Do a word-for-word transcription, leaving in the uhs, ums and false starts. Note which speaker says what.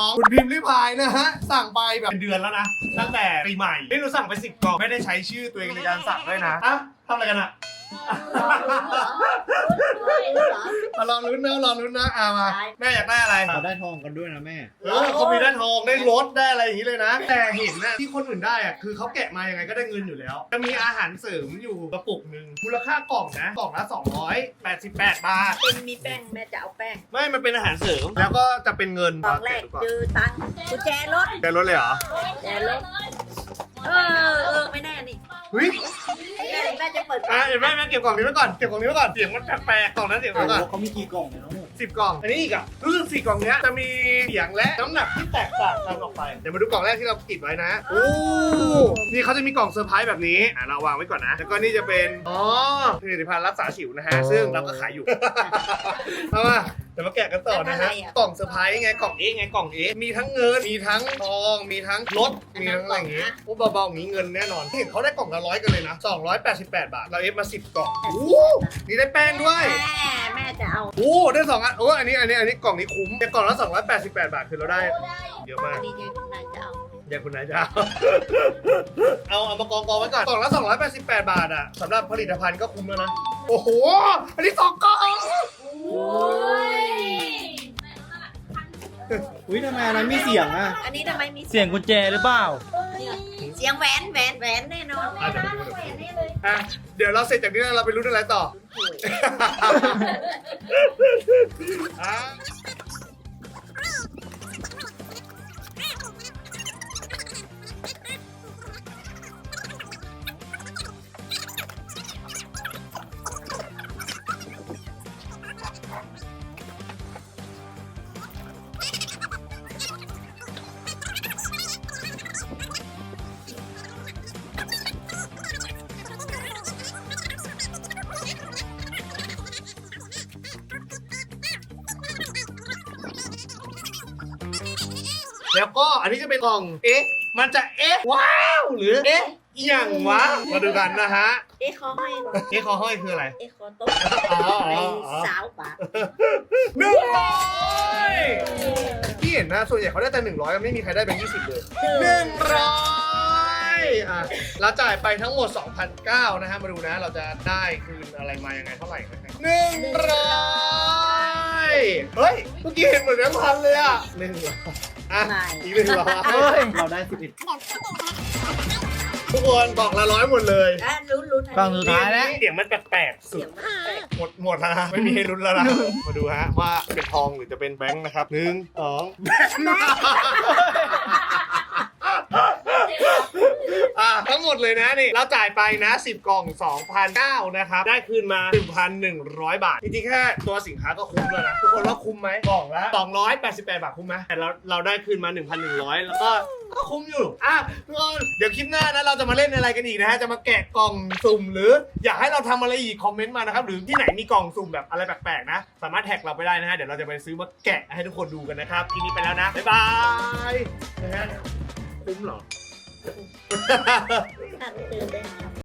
Speaker 1: คุณพิมพ์ริพายนะฮะสั่งไปแบบเป็นเดือนแล้วนะตั้งแต่ปีใหม่นี่เราสั่งไปสิบกล่องไม่ได้ใช้ชื่อตัวเองในการสั่งด้วยนะอ่ะทำอะไรกันอะมารอลุ้นนะรอลุ้นนะอ่ะมาแม่อยากได้อะไร
Speaker 2: เราได้ทองกันด้วยนะแม่
Speaker 1: เออเขามีได้ทองได้รถได้อะไรอย่างนี้เลยนะแต่เห็นนะที่คนอื่นได้อะคือเขาแกะมายังไงก็ได้เงินอยู่แล้วจะมีอาหารเสริมอยู่กระปุกหนึ่งมูลค่ากล่องนะกล่องละสองร้อยแปดสิบแปดบาท
Speaker 3: เป็นมีแป้งแม่จะเอาแป้ง
Speaker 1: ไม่มันเป็นอาหารเสริมแล้วก็จะเป็นเงิน
Speaker 3: ตอนแรกเจอตังค์กุญแจรถ
Speaker 1: แต่รถเลยเหรอ
Speaker 3: แจรถเออเออไม่แน่นี่
Speaker 1: เฮ้ย
Speaker 3: แม่แม่จะเปิด
Speaker 1: อ่ะเดี๋ยวแม่แม่เก็บกล่องนี้ไว้ก่อนเก็บกล่องนี้ไว้ก่อนเสียงมันแปลกๆกล่องนั้นเสียงมันก่อน
Speaker 2: เขามีกี่กล่องเนี่ยน้อง
Speaker 1: สิบกล่องอันนี้อีกอ่ะรู้สึกสี่กล่องเนี้ยจะมีเสียงและน้ำหนักที่แตกต่างกันออกไปเดี๋ยวมาดูกล่องแรกที่เราติดไว้นะโอ้นี่เขาจะมีกล่องเซอร์ไพรส์แบบนี้อ่ะเราวางไว้ก่อนนะแล้วก็นี่จะเป็นอ๋อผลิตภัณฑ์รักษาสิวนะฮะซึ่งเราก็ขายอยู่ เอามาเดี๋ยวมาแกะกันต่อนะฮะกล่องเซอร์ไพรส์ไงกล่องเอ๊ะไงกล่องเอ๊ะมีทั้งเงินมีทั้งทองมีทั้งรถมีทั้งอะไรอย่างงี้โอ้เบาๆอย่างงี้เงินแน่นอนเห็นเขาได้กล่องละร้อยกันเลยนะสองร้อยแปดสิบแปดบาทเราเอฟมาสิบกล่องโอ้นี่ได้แป้งด้วย
Speaker 3: แม่แม่จะเอา
Speaker 1: โอ้ได้สองอันโอ้อันนี้อันนี้อันนี้กล่องนี้คุ้มแต่กล่องละสองร้อยแปดสิบแปดบาทคือเราได้เยอะมาก
Speaker 3: ดีใจคุณนายจะเอา
Speaker 1: เดี๋ยวคุณนายจะเอา เอาเอามากองกองไว้ก่อนกล่องละสองร้อยแปดสิบแปดบาทอ่ะสำหรับผลิตภัณฑ์ก็คุ้มแล้วนะโอ้โหอันนี้สองกล่อง
Speaker 2: อุ้ยทำไมอันนั้นมีเสียงอ่ะ
Speaker 3: อันนี้ทำไมมี
Speaker 4: เสียงกุญแจหรือเปล่า
Speaker 3: เสียงแหวนแหวนแหวนแน่นอน
Speaker 1: อ่ะเดี๋ยวมาดูเดี๋ยวมาดูอ่ะเดี๋ยวเราเสร็จจากนี้แล้วเราไปลุ้นอะไรต่ออ่ะ แล้วก็อันนี้จะเป็นกล่อง เอ๊ะ มันจะเอ๊ะ ว้าว หรือ เอ๊ะอหย่างวะ มาดูกันนะฮะ
Speaker 3: เอ๊ะคอห้อย
Speaker 1: เอ๊ะคอห้อยคืออะไร
Speaker 3: เอ๊ะคอโต๊ะ
Speaker 1: อ๋อ
Speaker 3: ไป
Speaker 1: อ๋ออ๋อ
Speaker 3: สาวปาก
Speaker 1: หนึ่งร้อยที่เห็นนะส่วนใหญ่เขาได้แต่หนึ่งร้อยไม่มีใครได้เป็นยี่สิบเลยหนึ่งร้อยอ่ะเราจ่ายไปทั้งหมด สองพันเก้าร้อย นะฮะ มาดูนะ เราจะได้คืนอะไรมายังไงเท่าไหร่นะครับหนึ่งร้อยเฮ้ย เมื่อกี้เห็นเหมือนแบงค์พันเลยอ่ะหนึ่งร้อยอ่ะ อีกหนึ่งร้อย
Speaker 4: เฮ้ย
Speaker 2: เราได้สิบเอ็ด
Speaker 1: ทุกคนบอกละร้อยหมดเลย
Speaker 3: อ่ะลุ้นลุ้น
Speaker 4: กล่องสุดท้ายแล้ว
Speaker 1: เสียงมันแปลกๆสุ
Speaker 3: เสี
Speaker 1: ด
Speaker 3: ยงมันแปลก
Speaker 1: หมดหมดแล้วนะไม่มีให้ลุ้นแล้วนะ มาดูฮะว่าเป็นทองหรือจะเป็นแบงค์นะครับหนึ่งสองอ่ะทั้งหมดเลยนะนี่เราจ่ายไปนะสิบกล่อง สองพันเก้าร้อย นะครับได้คืนมา หนึ่งพันหนึ่งร้อย บาทจริงๆแค่ตัวสินค้าก็คุ้มแล้วนะทุกคนว่าคุ้มไหมกล่องละสองร้อยแปดสิบแปดบาทคุ้มไหมแต่เราเราได้คืนมา หนึ่งพันหนึ่งร้อย แล้วก็ก็คุ้มอยู่อ่ะทุกคนเดี๋ยวคลิปหน้านะเราจะมาเล่นอะไรกันอีกนะฮะจะมาแกะกล่องสุ่มหรืออยากให้เราทำอะไรอีกคอมเมนต์มานะครับหรือที่ไหนมีกล่องสุ่มแบบอะไรแปลกๆนะสามารถแท็กเราไปได้นะฮะเดี๋ยวเราจะไปซื้อมาแกะให้ทุกคนดูกันนะครับทีนี้ไปแล้วนะบ๊ายบายนะฮะคุ้มเหรอ
Speaker 3: ๆถ้าเจอได้